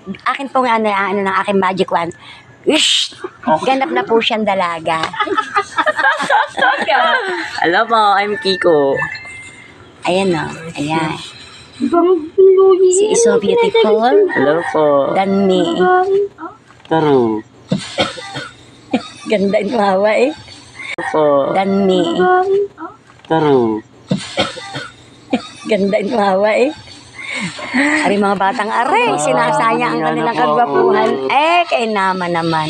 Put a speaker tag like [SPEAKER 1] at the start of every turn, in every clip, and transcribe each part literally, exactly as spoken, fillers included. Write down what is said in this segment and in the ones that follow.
[SPEAKER 1] akin pong ano, ano ng aking magic wand. Ish! Ganap na po siyang dalaga.
[SPEAKER 2] Hello po, I'm Kiko.
[SPEAKER 1] Ayan o, ayan. She is so beautiful
[SPEAKER 2] Hello po.
[SPEAKER 1] than me.
[SPEAKER 2] Taro.
[SPEAKER 1] Ganda yung mawa eh.
[SPEAKER 2] Hello po.
[SPEAKER 1] Than me.
[SPEAKER 2] Taro.
[SPEAKER 1] Ganda yung mawa eh. Ari mga batang are, sinasaya ang kanilang kagwapuhan. Eh, kay naman naman.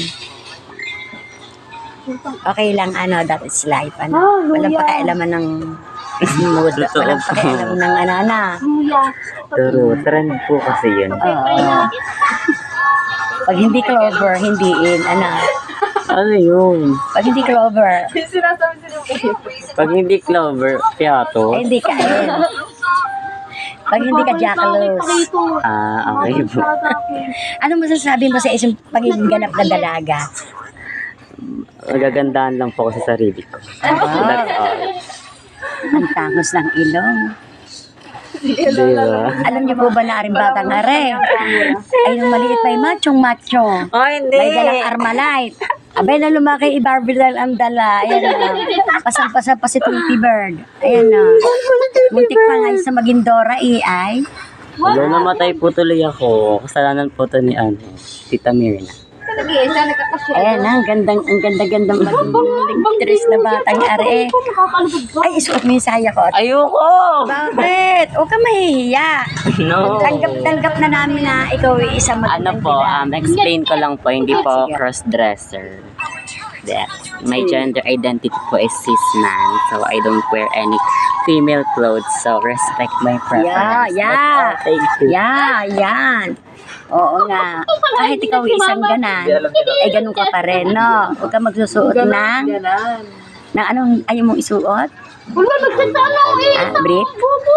[SPEAKER 1] Okay lang, ano, that is life, ano. Walang pakialaman ng mood. Walang pakialaman ng ano, ano.
[SPEAKER 2] Taro. Trend po kasi yun.
[SPEAKER 1] Oo. Pag hindi clover, hindi in, ano.
[SPEAKER 2] Ano yun?
[SPEAKER 1] Pag hindi clover,
[SPEAKER 2] Pag hindi clover, piato.
[SPEAKER 1] eh, hindi ka in. Pag hindi ka jackalus.
[SPEAKER 2] Ah, okay po.
[SPEAKER 1] Ano masasabi mo sa isang pagiging ganap na dalaga?
[SPEAKER 2] Nagagandahan lang po ako sa sarili ko. That's all.
[SPEAKER 1] Ang tangos ng ilong.
[SPEAKER 2] Diba?
[SPEAKER 1] Alam niyo po ba na aring batang are? Ay, nung maliit pa yung machong macho.
[SPEAKER 2] Oh, hindi.
[SPEAKER 1] May dalang Armalite. Abay na lumaki, i-barbidal ang dala. Ayan na. Pasang-pasa pa si Tweety Bird. Ayan na. Muntik pa nga sa maging Dora eh, ay.
[SPEAKER 2] Wala, namatay po tuloy ako. Kasalanan po to ni ano, Tita Mirna.
[SPEAKER 1] Ayan na, ang gandang, ang ganda-gandang maging na batang are. Ay, isuot mo yung saya ko.
[SPEAKER 2] Ayoko!
[SPEAKER 1] Bakit? Huwag ka mahihiya.
[SPEAKER 2] No.
[SPEAKER 1] Tanggap-tanggap na namin na ikaw ay isang
[SPEAKER 2] Ano
[SPEAKER 1] magandang
[SPEAKER 2] po,
[SPEAKER 1] dilag.
[SPEAKER 2] um, explain ko lang po, hindi po cross-dresser. That my gender identity po is cis man, so I don't wear any female clothes, so respect my preference.
[SPEAKER 1] Yeah, yeah.
[SPEAKER 2] That's all. Thank you.
[SPEAKER 1] Yeah, yan. Oo nga. Kahit ikaw ay isang ganan, ay ganun ka pa rin, no? Huwag ka magsusuot ng, ng anong ayaw mong isuot? Ah, brief?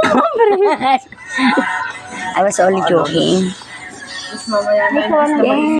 [SPEAKER 1] I was only joking. Yeah.